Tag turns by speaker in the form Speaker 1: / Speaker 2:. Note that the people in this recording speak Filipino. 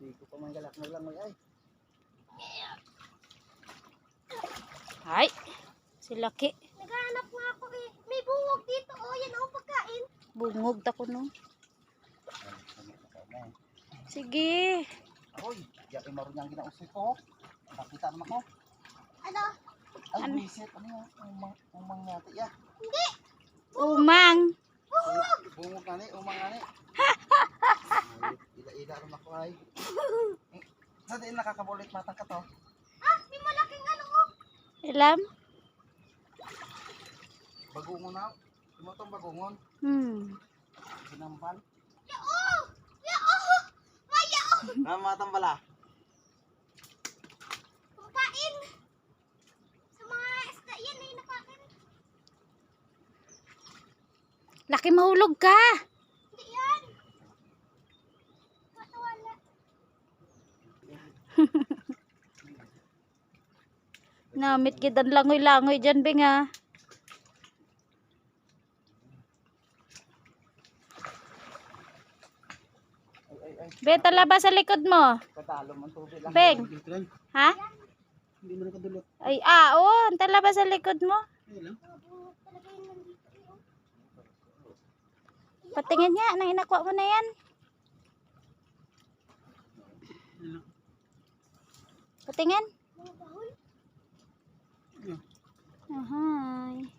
Speaker 1: Hindi ko pa manggalak na lang ay.
Speaker 2: Ay, si Laki.
Speaker 3: Naghahanap nga ako eh. May bungog dito. Oh, yan oh, pagkain.
Speaker 2: Bungog ta ko no. Sige.
Speaker 1: Hoy, diyan ay marunyang ginausay ko. Nakita naman ko.
Speaker 3: Ano?
Speaker 1: Ay,
Speaker 2: Ano?
Speaker 1: visit. Ano yan? Umang yata ya.
Speaker 3: Hindi.
Speaker 2: Umang.
Speaker 3: Bungog.
Speaker 1: Bungog nga ni, umang nga ni. Ila-ila naman ako ay. Sa din nakakabulit matang ka to.
Speaker 3: Ah, may malaking ano oh.
Speaker 2: Ilam?
Speaker 1: Bagungon na. Tumutong bagungon. Sinampal.
Speaker 3: Yao! Yao! Mayao!
Speaker 1: Matang bala.
Speaker 3: Pagkain. Sa mga isda yan eh, nakain.
Speaker 2: Laki, mahulog ka.
Speaker 3: Hindi yan. Wala.
Speaker 2: Namit kidan langoy-langoy dyan, Bing, ha.
Speaker 1: Ay.
Speaker 2: Beta, labas sa likod mo.
Speaker 1: Katalo man tubig lang.
Speaker 2: Beng. Ha?
Speaker 1: Hindi mo nakadulot.
Speaker 2: Ay, oh. Talabas sa likod mo.
Speaker 1: Ayun lang.
Speaker 3: Bungog talaga yun nandito eh. Oh.
Speaker 2: Patingin nga, nang inakuha mo na yan. Patingin.
Speaker 3: Mga bahol.
Speaker 2: Ahay.